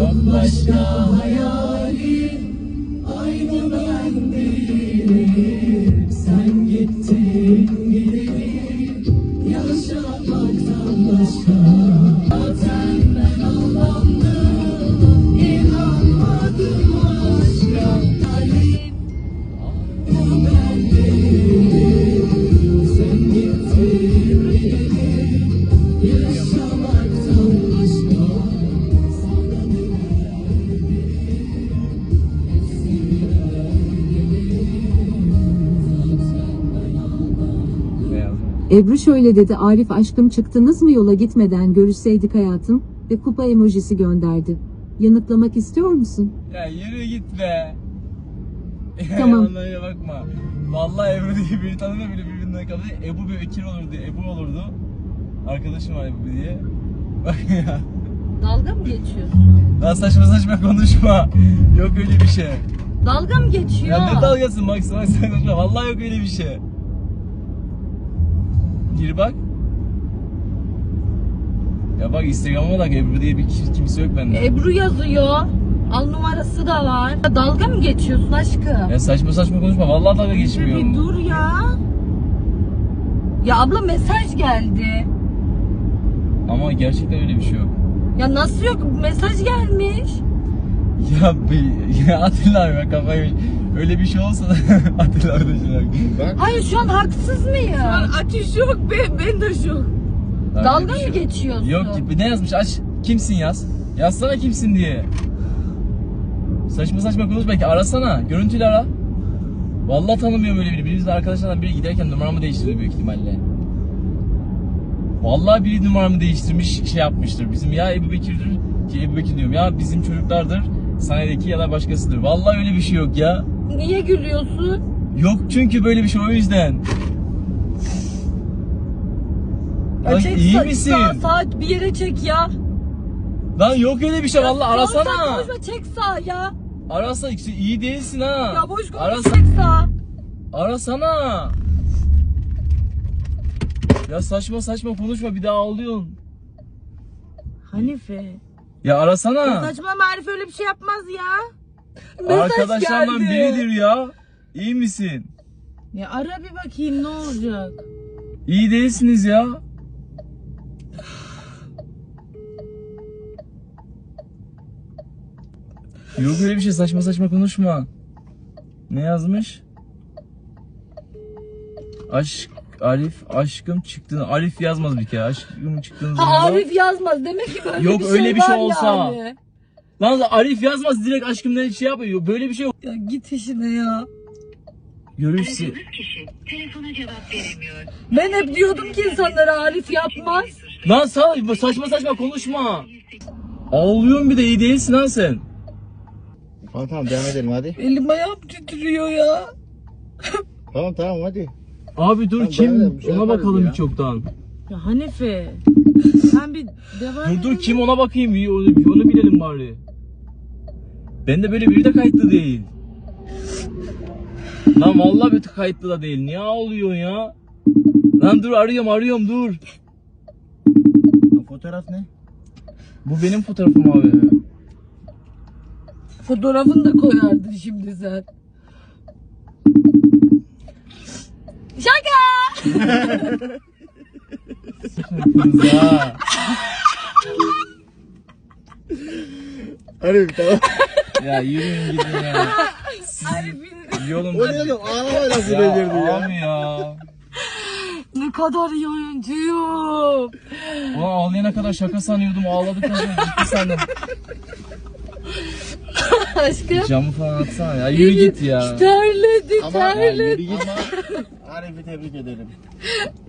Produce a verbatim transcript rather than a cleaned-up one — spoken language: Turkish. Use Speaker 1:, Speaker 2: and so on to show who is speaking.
Speaker 1: bambaşka hayalin, aynı ben değilim. Sen gittin gideli, yaşamaktan başka. Zaten ben aldandım, inanmadım aşka. Halim, aynı ben değilim. Sen gittin gideli, yaşamaktan başka.
Speaker 2: Ebru şöyle dedi: Arif aşkım, çıktınız mı yola, gitmeden görüşseydik hayatım, ve kupa emojisi gönderdi. Yanıtlamak istiyor musun?
Speaker 3: Ya yürü git be.
Speaker 2: Tamam.
Speaker 3: Onlara bakma. Vallahi Ebru diye biri tanımıyor bile birbirinden kaldı. Ebu bir Bekir olurdu, Ebu olurdu. Arkadaşım var Ebu diye. Bak ya.
Speaker 4: Dalga mı geçiyorsun?
Speaker 3: Daha saçma saçma konuşma. Yok öyle bir şey.
Speaker 4: Dalga mı geçiyor?
Speaker 3: Ya ne dalgasın, bak sana sen konuşma. Vallahi yok öyle bir şey. Gir bak. Ya bak Instagram'a bak, Ebru diye bir kimse yok bende.
Speaker 4: Ebru yazıyor. Al numarası da var. Ya dalga mı geçiyorsun aşkım?
Speaker 3: Ya saçma saçma konuşma. Vallahi dalga geçmiyorum.
Speaker 4: Bir dur ya. Ya abla mesaj geldi.
Speaker 3: Ama gerçekten öyle bir şey yok.
Speaker 4: Ya nasıl yok? Mesaj gelmiş.
Speaker 3: Ya bir ya Atilla abi, bak kafayı öyle bir şey olsa da Atilla abi de şuna bak.
Speaker 4: Hayır, şu an haksız mıyım? Şu an
Speaker 5: Ateş yok, ben, ben de şok.
Speaker 4: dalga
Speaker 3: bir şey
Speaker 4: mı
Speaker 3: yok.
Speaker 4: geçiyorsun?
Speaker 3: Yok ki, ne yazmış, aç kimsin yaz. Yazsana kimsin diye. Saçma saçma konuş, belki arasana, görüntüyle ara. Vallahi tanımıyorum öyle biri. Biz de arkadaşlardan biri giderken numaramı değiştirdi büyük ihtimalle. Vallahi biri numaramı değiştirmiş, şey yapmıştır. Bizim ya Ebu Bekir'dir, ki Ebu Bekir diyorum ya, bizim çocuklardır, sanayideki ya da başkasıdır. Vallahi öyle bir şey yok ya.
Speaker 4: Niye gülüyorsun?
Speaker 3: Yok çünkü böyle bir şey, o yüzden.
Speaker 4: Ya
Speaker 3: Lan
Speaker 4: çek,
Speaker 3: iyi
Speaker 4: sa-
Speaker 3: misin?
Speaker 4: Sağ, sağ bir yere çek ya.
Speaker 3: Lan yok öyle bir şey, vallahi
Speaker 4: Ya
Speaker 3: arasana.
Speaker 4: sen konuşma, çek sağ ya.
Speaker 3: Arasana, işte iyi değilsin ha.
Speaker 4: Ya boş konuş,
Speaker 3: Arasa-
Speaker 4: çek sağ.
Speaker 3: Arasana. Ya saçma saçma konuşma, bir daha ağlıyorsun.
Speaker 5: Hanife.
Speaker 3: Ya arasana.
Speaker 5: Saçma, Arif öyle bir şey yapmaz ya.
Speaker 4: Mesaj
Speaker 3: Arkadaşlarından
Speaker 4: geldi.
Speaker 3: biridir ya. İyi misin?
Speaker 5: Ya ara bir bakayım ne olacak.
Speaker 3: İyi değilsiniz ya. Yok öyle bir şey, saçma saçma konuşma. Ne yazmış? Aşk, Arif, aşkım çıktın. Arif yazmaz bir kere. Aşkım çıktığın zaman.
Speaker 4: Ha, Arif yazmaz. Demek ki böyle
Speaker 3: Yok,
Speaker 4: bir
Speaker 3: öyle
Speaker 4: şey
Speaker 3: bir şey
Speaker 4: var
Speaker 3: olsa.
Speaker 4: yani.
Speaker 3: Lan Arif yazmaz, direkt aşkımdan şey yapıyor. Böyle bir şey yok.
Speaker 4: Ya git işine ya.
Speaker 3: Görüşsün.
Speaker 6: Aradığınız kişi telefona cevap veremiyor.
Speaker 4: Ben hep diyordum ki insanlara Arif yapmaz.
Speaker 3: Lan sa- saçma saçma konuşma. Ağlıyorsun bir de, iyi değilsin lan sen.
Speaker 7: Tamam tamam, devam edelim hadi.
Speaker 4: Elim ayağım titriyor ya.
Speaker 7: Tamam tamam hadi.
Speaker 3: Abi dur,
Speaker 7: Tamam,
Speaker 3: kim?
Speaker 7: ben de bir şey
Speaker 3: Ona
Speaker 7: yaparız
Speaker 3: bakalım
Speaker 7: ya.
Speaker 3: bir çoktan.
Speaker 5: Ya Hanife. Sen bir devam
Speaker 3: Dur dur,
Speaker 5: edelim.
Speaker 3: kim, ona bakayım, bir onu, bir onu bilelim bari. Ben de böyle biri de kayıtlı değil. Lan vallahi bir kayıtlı da değil. Niye ağlıyorsun ya? Lan dur, arıyorum arıyorum dur.
Speaker 7: Fotoğraf ne?
Speaker 3: Bu benim fotoğrafım abi.
Speaker 4: Fotoğrafını da koyardın şimdi sen. Şaka!
Speaker 3: Kız ha.
Speaker 7: Hadi tamam.
Speaker 3: Ya yürüyün gidin ya. Siz yolun.
Speaker 7: O ne oğlum, ağlama nasıl
Speaker 3: Ya
Speaker 7: becerdi ya.
Speaker 3: abi ya.
Speaker 4: Ne kadar iyi oyuncuyum.
Speaker 3: Ulan ağlayana kadar şaka sanıyordum, ağladıktan sonra ciddi sandım.
Speaker 4: Aşkım.
Speaker 3: Camı falan atsana ya, yürü git ya.
Speaker 4: Terledi,
Speaker 7: Ama
Speaker 4: terledi.
Speaker 7: yürü git. Ama Arif'i tebrik edelim.